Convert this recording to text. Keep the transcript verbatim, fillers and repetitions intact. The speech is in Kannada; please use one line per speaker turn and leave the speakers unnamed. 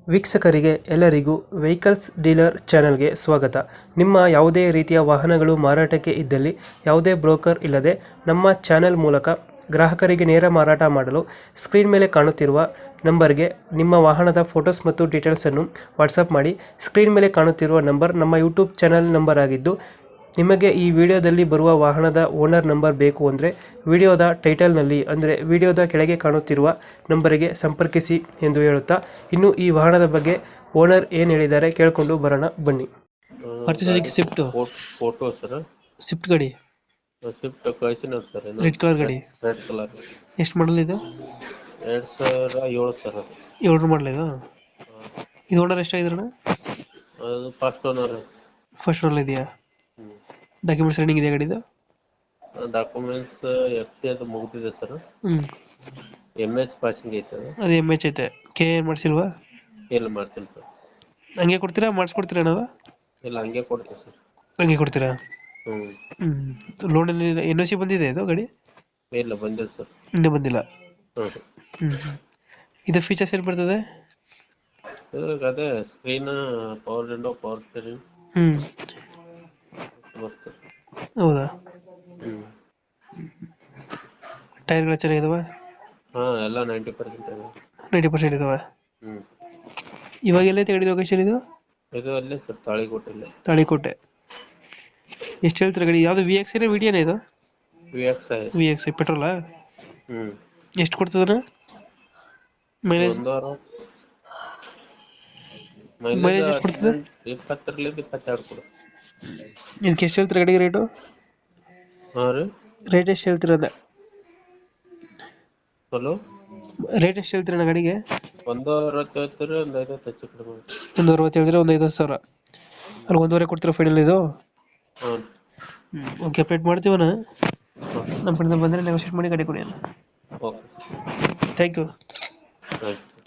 ವೀಕ್ಷಕರಿಗೆ ಎಲ್ಲರಿಗೂ ವೆಹಿಕಲ್ಸ್ ಡೀಲರ್ ಚಾನೆಲ್ಗೆ ಸ್ವಾಗತ. ನಿಮ್ಮ ಯಾವುದೇ ರೀತಿಯ ವಾಹನಗಳು ಮಾರಾಟಕ್ಕೆ ಇದ್ದಲ್ಲಿ ಯಾವುದೇ ಬ್ರೋಕರ್ ಇಲ್ಲದೆ ನಮ್ಮ ಚಾನೆಲ್ ಮೂಲಕ ಗ್ರಾಹಕರಿಗೆ ನೇರ ಮಾರಾಟ ಮಾಡಲು ಸ್ಕ್ರೀನ್ ಮೇಲೆ ಕಾಣುತ್ತಿರುವ ನಂಬರ್ಗೆ ನಿಮ್ಮ ವಾಹನದ ಫೋಟೋಸ್ ಮತ್ತು ಡೀಟೇಲ್ಸನ್ನು ವಾಟ್ಸಪ್ ಮಾಡಿ. ಸ್ಕ್ರೀನ್ ಮೇಲೆ ಕಾಣುತ್ತಿರುವ ನಂಬರ್ ನಮ್ಮ ಯೂಟ್ಯೂಬ್ ಚಾನೆಲ್ ನಂಬರ್ ಆಗಿದ್ದು, ನಿಮಗೆ ಈ ವಿಡಿಯೋದಲ್ಲಿ ಬರುವ ವಾಹನದ ಓನರ್ ನಂಬರ್ ಬೇಕು ಅಂದರೆ ವಿಡಿಯೋದ ಟೈಟಲ್ನಲ್ಲಿ ಅಂದರೆ ವಿಡಿಯೋದ ಕೆಳಗೆ ಕಾಣುತ್ತಿರುವ ನಂಬರಿಗೆ ಸಂಪರ್ಕಿಸಿ ಎಂದು ಹೇಳುತ್ತಾ, ಇನ್ನು ಈ ವಾಹನದ ಬಗ್ಗೆ ಓನರ್ ಏನು ಹೇಳಿದ್ದಾರೆ ಕೇಳಿಕೊಂಡು ಬರೋಣ ಬನ್ನಿ. Maruti swift
photo sir,
swift ಗಾಡಿ
ಸ್ವಿಫ್ಟ್ ಕಳಿಸಿನ ಸರ್.
ರೆಡ್ ಕಲರ್ ಗಾಡಿ
ರೆಡ್ ಕಲರ್
ಎಷ್ಟು ಮಾಡಲ್ ಇದು?
ಎರಡ್ ಸಾವಿರ ಏಳು ಸರ್.
ಏಳರ ಮಾಡಲ್ ಇದು. ಇದು ಓನರ್ ಎಷ್ಟಾಗಿದ್ರಣ?
ಅದು ಫಸ್ಟ್ ಓನರ್.
ಫಸ್ಟ್ ಓನರ್ ಇದೆಯಾ? ಡಾಕ್ಯುಮೆಂಟ್ಸ್ ರನ್ನಿಂಗ್ ಇದೆ ಗಾಡಿದು?
ಡಾಕ್ಯುಮೆಂಟ್ಸ್ ಎಫ್ ಸಿ ಅದು ಮುಗಿದಿದೆ ಸರ್.
ಹ್ಮ್
ಎಮ್ ಎಚ್ ಪಾಸಿಂಗ್ ಐತೆ ಅದು.
ಅದು ಎಮ್ ಎಚ್ ಐತೆ. ಕೆ ಏನು ಮಾಡಿಸಿಲ್ವಾ?
ಇಲ್ಲ ಮಾಡ್ತೀನಿ ಸರ್.
ಹಂಗೆ ಕೊಡ್ತೀರಾ ಮಾಡಿಸ್ಕೊಡ್ತೀರಾ ನಾವು?
ಇಲ್ಲ ಹಂಗೆ ಕೊಡ್ತೀವಿ ಸರ್.
ಹಂಗೆ ಕೊಡ್ತೀರಾ?
ಹ್ಮ್
ಹ್ಮ್ ಲೋನಲ್ಲಿ ಎನ್ ಒ ಸಿ ಬಂದಿದೆ ಇದು ಗಾಡಿ?
ಇಲ್ಲ ಬಂದಿಲ್ಲ ಸರ್.
ಇನ್ನೂ ಬಂದಿಲ್ಲ.
ಹ್ಮ್
ಹ್ಮ್ ಇದು ಫೀಚರ್ಸ್ ಏನು ಬರ್ತದೆ?
ಇದ್ರಾಗ ಅದೇ screen, power window, power steering
ಹ್ಮ್
ಬರ್ತದೆ.
ಹೌದಾ?
ಹ್ಮ್
ಟೈರ್ಗಳು ಚೆನ್ನಾಗಿದಾವೆ?
ಹಾ ಎಲ್ಲ ನೈಂಟಿ ಪರ್ಸೆಂಟ್ ಇದೆ.
ನೈಂಟಿ ಪರ್ಸೆಂಟ್ ಇದಾವೆ.
ಹ್ಮ್
ಇವಾಗ ಎಲ್ಲೈತೆ ಗಾಡಿ ಲೊಕೇಶನ್ ಇದು?
ಇದು ಅಲ್ಲೇ ಸರ್, ತಾಳಿಕೋಟೆಲ್ಲ.
ತಾಳಿಕೋಟೆ. ಎಷ್ಟು ಹೇಳ್ತೀರಾ ಗಾಡಿ? ಯಾವುದು ವಿ ಎಕ್ಸ್ ಏನೇ ವಿಡಿಯೋನೇ ಇದು?
V X I.
V X ಪೆಟ್ರೋಲಾ?
ಹ್ಮ್
ಎಷ್ಟು ಕೊಡ್ತದಣ್ಣ ಮೈಲೇಜ್?
ಒಂದು ಅರವತ್ತು
ಮೈಲೇಜ್
ಮೈಲೇಜ್
ಎಷ್ಟು ಕೊಡ್ತದೆ?
ಇಪ್ಪತ್ತರಲ್ಲಿ ಇಪ್ಪತ್ತೆರಡು ಕೊಡು.
ಇದಕ್ಕೆ ಎಷ್ಟು ಹೇಳ್ತೀರಾ ಗಾಡಿಗೆ ರೇಟು?
ಹಾ ರೀ,
ರೇಟ್ ಎಷ್ಟು ಹೇಳ್ತೀರದ?
ಹಲೋ,
ರೇಟ್ ಎಷ್ಟು ಹೇಳ್ತೀರಣ್ಣ ಗಾಡಿಗೆ?
ಒಂದು ಅರವತ್ತು ಹೇಳ್ತೀರಿ, ಒಂದು ಐವತ್ತು ಹೆಚ್ಚು ಕಡಿಮೆ ಮಾಡಿ.
ಒಂದು ಅರವತ್ತು ಹೇಳಿದ್ರೆ ಒಂದು ಐದು ಸಾವಿರ ಅಲ್ಲಿ ಒಂದೂವರೆ ಕೊಡ್ತೀರಾ ಫೈನಲ್ ಇದು?
ಹಾಂ
ಓಕೆ, ಅಪ್ಡೇಟ್ ಮಾಡ್ತೀವಣ್ಣ. ನಮ್ಮ ಕಡೆಯಿಂದ ಬಂದರೆ ನೆಗೋಷಿಯೇಟ್ ಮಾಡಿ ಗಾಡಿ ಕೊಡಿ.
Okay,
thank you.
ಆಯ್ತು.